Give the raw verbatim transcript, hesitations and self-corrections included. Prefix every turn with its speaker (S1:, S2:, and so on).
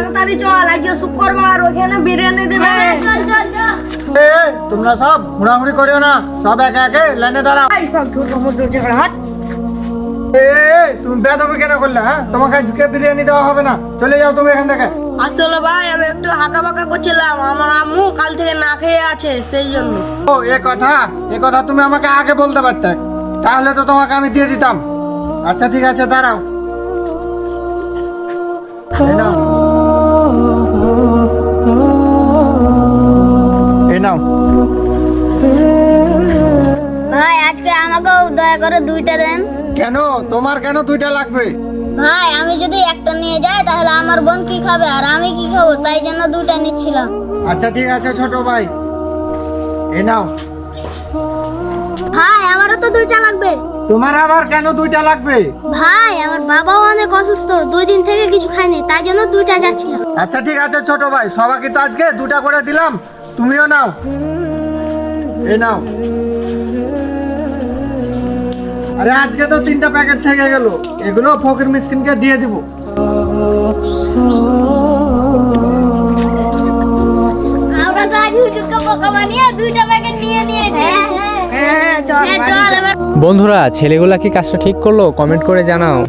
S1: তাড়াতাড়ি চল, আজকে শুক্রবার, ওখানে বিরিয়ানি দেবে।
S2: চল চল চল।
S3: এ, তোমরা সব হুড়াহুড়ি করিও না, সব একে একে লাইনে দাঁড়াও।
S1: এই সব ছোট মোটো ঝগড়া হাট।
S3: এ, তুমি বেদবি কেন করলে? হ্যাঁ, তোমাকে আজকে বিরিয়ানি দেওয়া হবে না, চলে যাও তুমি এখান থেকে।
S1: আসলে ভাই আমি একটু হাঁকা বাঁকা করছিলাম, আমার আম্মু কাল থেকে না খেয়ে আছে, সেই জন্য।
S3: ও, এ কথা এ কথা তুমি আমাকে আগে বলতে পারতে, তাহলে তো তোমাকে আমি দিয়ে দিতাম। আচ্ছা ঠিক আছে, দাঁড়াও। এই নাও, এই নাও।
S2: ভাই আজকে আমাকেও দয়া করে দুইটা দেন।
S3: কেন, তোমার কেন দুইটা লাগবে?
S2: ভাই আমি যদি একটা নিয়ে যাই তাহলে আমার বোন কি খাবে আর আমি কি খাবো, তাই জন্য দুইটা নিচ্ছিলাম।
S3: আচ্ছা ঠিক আছে ছোট ভাই, এই নাও।
S2: ভাই আমারও তো দুইটা লাগবে।
S3: তোমার আবার কেন দুইটা লাগবে?
S2: ভাই আমার বাবাও অনেক অসুস্থ, দুই দিন থেকে কিছু খায়নি, তাই জন্য দুইটা যাচ্ছিলাম।
S3: আচ্ছা ঠিক আছে ছোট ভাই, সবাইকে তো আজকে দুটা করে দিলাম, তুমিও নাও, এই নাও। আরে আজকে তো তিনটা প্যাকেট থেকে গেল, এগুলো ফকির মিসকিনকে দিয়ে দিব।
S2: আমরা তো আজ হুজুরকে বোকা বানিয়ে দুইটা প্যাকেট নিয়ে নিয়েছি।
S1: হ্যাঁ চল
S2: হ্যাঁ, চল এবার।
S4: বন্ধুরা, ছেলেগুলা কি কাজটা ঠিক করলো? কমেন্ট করে জানাও।